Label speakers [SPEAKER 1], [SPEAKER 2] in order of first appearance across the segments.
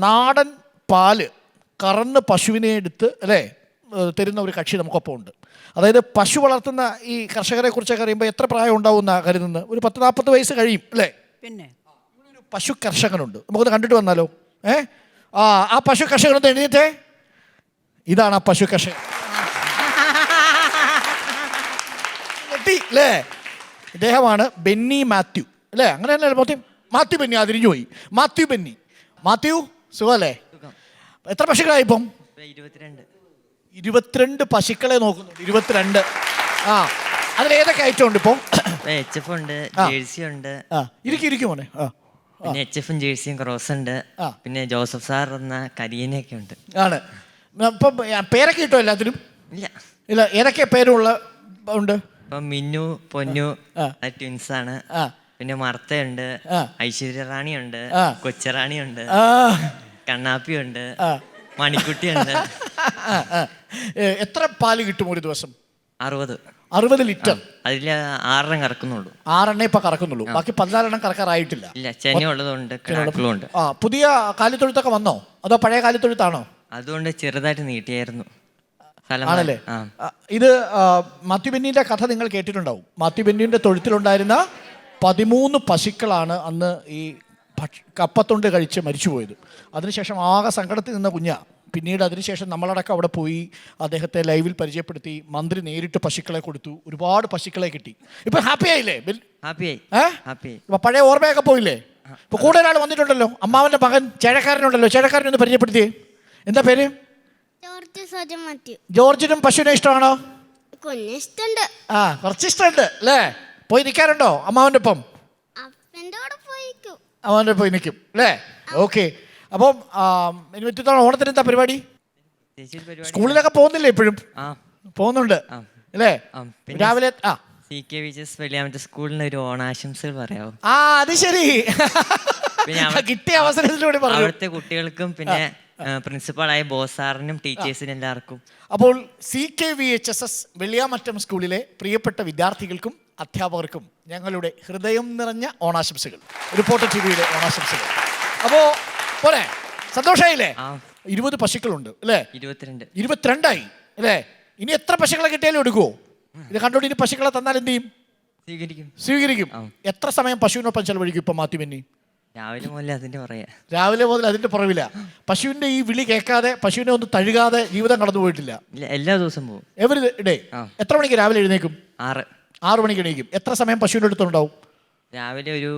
[SPEAKER 1] നാടൻ പാല് കറന്ന് പശുവിനെ എടുത്ത് അല്ലേ തരുന്ന ഒരു കക്ഷി നമുക്കൊപ്പം ഉണ്ട്. അതായത് പശു വളർത്തുന്ന ഈ കർഷകരെ കുറിച്ചൊക്കെ അറിയുമ്പോൾ എത്ര പ്രായം ഉണ്ടാവുന്ന കരുതുന്നത്? ഒരു 10-40 വയസ്സ് കഴിയും അല്ലേ? പിന്നെ ഒരു പശു കർഷകനുണ്ട്, നമുക്കൊന്ന് കണ്ടിട്ട് വന്നാലോ? ആ പശു കർഷകനൊന്ന് എഴുന്നേറ്റേ. ഇതാണ് ആ പശു കർഷകൻ അല്ലേ? ഇദ്ദേഹമാണ് ബെന്നി മാത്യു അല്ലേ? അങ്ങനെ തന്നെ മാത്യു ബെന്നി. അതിരിഞ്ഞു പോയി. മാത്യു ബെന്നി. മാത്യു സുഖമല്ലേ? എത്ര പശുക്കളായി ഇപ്പം? 22 പശുക്കളെ നോക്കുന്നുണ്ട്. 22. അതിലേതൊക്കെ ഐറ്റം ഉണ്ട് ഇപ്പോൾ?
[SPEAKER 2] HF ഉണ്ട്, ജേഴ്സി ഉണ്ട്.
[SPEAKER 1] ഇരിക്കും മോനെ.
[SPEAKER 2] പിന്നെ HF ജേഴ്സിയും ക്രോസ് ഉണ്ട്. പിന്നെ ജോസഫ് സാർ എന്ന കരിയനൊക്കെ ഉണ്ട്.
[SPEAKER 1] ആണ്. ഇപ്പം പേരൊക്കെ കിട്ടുമോ എല്ലാത്തിനും? ഇല്ല. ഏതൊക്കെ പേരുള്ള ഉണ്ട്?
[SPEAKER 2] ഇപ്പം മിന്നു, പൊന്നു ട്വിൻസ് ആണ്. പിന്നെ മർത്തയുണ്ട്, ഐശ്വര്യ റാണി ഉണ്ട്, കൊച്ചറാണി ഉണ്ട്, കണ്ണാപ്പി ഉണ്ട്, മണിക്കുട്ടി ഉണ്ട്.
[SPEAKER 1] എത്ര പാല് കിട്ടും ഒരു ദിവസം?
[SPEAKER 2] 60
[SPEAKER 1] ലിറ്റർ.
[SPEAKER 2] അതിൽ 6 കറക്കുന്നുള്ളൂ.
[SPEAKER 1] 6 ഇപ്പൊ കറക്കുന്നുള്ളൂ. ബാക്കി 14 കറക്കാറായിട്ടില്ല.
[SPEAKER 2] ഇല്ല, ചെനയുള്ളതുകൊണ്ട് കിടാക്കളുണ്ട്.
[SPEAKER 1] പുതിയ കാലിത്തൊഴുത്തൊക്കെ വന്നോ അതോ പഴയ കാലിത്തൊഴുത്താണോ?
[SPEAKER 2] അതുകൊണ്ട് ചെറുതായിട്ട് നീട്ടിയായിരുന്നു.
[SPEAKER 1] ആണല്ലേ? ഇത് മാത്യു ബെന്നിന്റെ കഥ നിങ്ങൾ കേട്ടിട്ടുണ്ടാവും. മാത്യു ബെന്നിന്റെ തൊഴുത്തിലുണ്ടായിരുന്ന 13 പശുക്കളാണ് അന്ന് ഈ കപ്പത്തൊണ്ട് കഴിച്ച് മരിച്ചുപോയത്. അതിനുശേഷം ആകെ സങ്കടത്തിൽ നിന്ന കുഞ്ഞ. പിന്നീട് അതിനുശേഷം നമ്മളടക്കം അവിടെ പോയി അദ്ദേഹത്തെ ലൈവിൽ പരിചയപ്പെടുത്തി. മന്ത്രി നേരിട്ട് പശുക്കളെ കൊടുത്തു. ഒരുപാട് പശുക്കളെ കിട്ടി. ഇപ്പൊ ഹാപ്പി ആയില്ലേ? ഇപ്പൊ പഴയ ഓർമ്മയൊക്കെ പോയില്ലേ? ഇപ്പൊ കൂടെ ഒരാൾ വന്നിട്ടുണ്ടല്ലോ, അമ്മാവന്റെ മകൻ ചേഴക്കാരനുണ്ടല്ലോ. ചേഴക്കാരനൊന്ന് പരിചയപ്പെടുത്തിയേ. എന്താ പേര്? ജോർജിനും പശുവിനെ ഇഷ്ടമാണോ? കുറച്ച് ഇഷ്ടമുണ്ട് അല്ലേ? പോയി നിൽക്കാറുണ്ടോ അമ്മാവന്റെ ഒപ്പം? അവൻ്റെ പോയി നിൽക്കും അല്ലേ? ഓക്കെ. അപ്പം ഇനി മറ്റു ഓണത്തിന് എന്താ പരിപാടി? സ്കൂളിലൊക്കെ പോകുന്നില്ലേ? ഇപ്പോഴും പോകുന്നുണ്ട് അല്ലേ? രാവിലെ
[SPEAKER 2] സ്കൂളിന് ഒരു ഓണാശംസകൾ പറയാമോ?
[SPEAKER 1] അത് ശരി. കിട്ടിയ അവസരത്തിലൂടെ
[SPEAKER 2] അവിടുത്തെ കുട്ടികൾക്കും പിന്നെ പ്രിൻസിപ്പളായ ബോസ് സാറിനും ടീച്ചേഴ്സിനും എല്ലാവർക്കും.
[SPEAKER 1] അപ്പോൾ CKVHSS വെള്ളിയാമറ്റം സ്കൂളിലെ പ്രിയപ്പെട്ട വിദ്യാർത്ഥികൾക്കും അധ്യാപകർക്കും ഞങ്ങളുടെ ഹൃദയം നിറഞ്ഞ ഓണാശംസകൾ. റിപ്പോർട്ടർ TVയുടെ ഓണാശംസകൾ. അപ്പോൾ പോരെ, സന്തോഷമായില്ലേ? 20 പശുക്കളുണ്ട് അല്ലേ? 22 അല്ലേ? ഇനി എത്ര പശുക്കളെ കിട്ടിയാലും എടുക്കുമോ? ഇത് കണ്ടോണ്ട് ഇനി പശുക്കളെ തന്നാൽ എന്ത് ചെയ്യും? സ്വീകരിക്കും. എത്ര സമയം പശുവിനൊപ്പം ചെലവഴിക്കും ഇപ്പൊ മാത്യു ബെന്നി?
[SPEAKER 2] രാവിലെ
[SPEAKER 1] മുതൽ അതിന്റെ പുറവില്ല. പശുവിന്റെ ഈ വിളി കേൾക്കാതെ, പശുവിനെ ഒന്ന് തഴുകാതെ ജീവിതം കടന്നു പോയിട്ടില്ല.
[SPEAKER 2] എല്ലാ ദിവസവും പോകും.
[SPEAKER 1] Every day. എത്ര മണിക്ക് രാവിലെ എഴുന്നേക്കും? 6 മണിക്ക് എണീക്കും. എത്ര സമയം പശുവിന്റെ അടുത്തുണ്ടാവും?
[SPEAKER 2] രാവിലെ ഒരു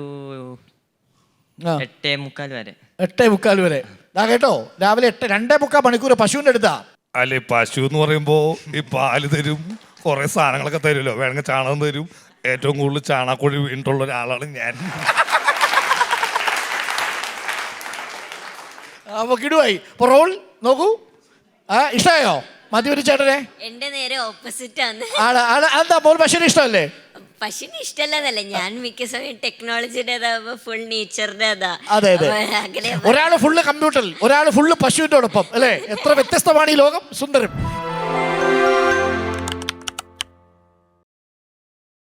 [SPEAKER 2] 8:45 വരെ.
[SPEAKER 1] 8:45 വരെ. കേട്ടോ, രാവിലെ 2.25 മണിക്കൂർ പശുവിന്റെ അടുത്താ.
[SPEAKER 3] അല്ലെ, പശു എന്ന് പറയുമ്പോ ഈ പാല് തരും, കുറെ സാധനങ്ങളൊക്കെ തരുമല്ലോ. വേണമെങ്കിൽ ചാണകം തരും. ഏറ്റവും കൂടുതൽ ചാണകക്കുഴി വീണിട്ടുള്ള ഒരാളാണ് ഞാൻ.
[SPEAKER 1] അപ്പൊ കിടുവായി. റോൾ നോക്കൂ. ഇഷ്ടമായോ മാത്യു ചേട്ടനെ?
[SPEAKER 4] എന്റെ നേരെ ഓപ്പോസിറ്റ് ആണ്.
[SPEAKER 1] എന്താ മോൾ പശുവിന് ഇഷ്ടമല്ലേ?
[SPEAKER 4] പശുവിന് ഇഷ്ടമല്ലെന്നല്ല, ഞാൻ മിക്ക സമയം ടെക്നോളജിയുടെ ഫുൾ നേച്ചറിന്റെ
[SPEAKER 1] അതെ. ഒരാള് ഫുള്ള് കമ്പ്യൂട്ടറിൽ, ഒരാള് ഫുള്ള് പശുവിന്റെ ഒപ്പം അല്ലേ? എത്ര വ്യത്യസ്തമാണ് ഈ ലോകം. സുന്ദരം.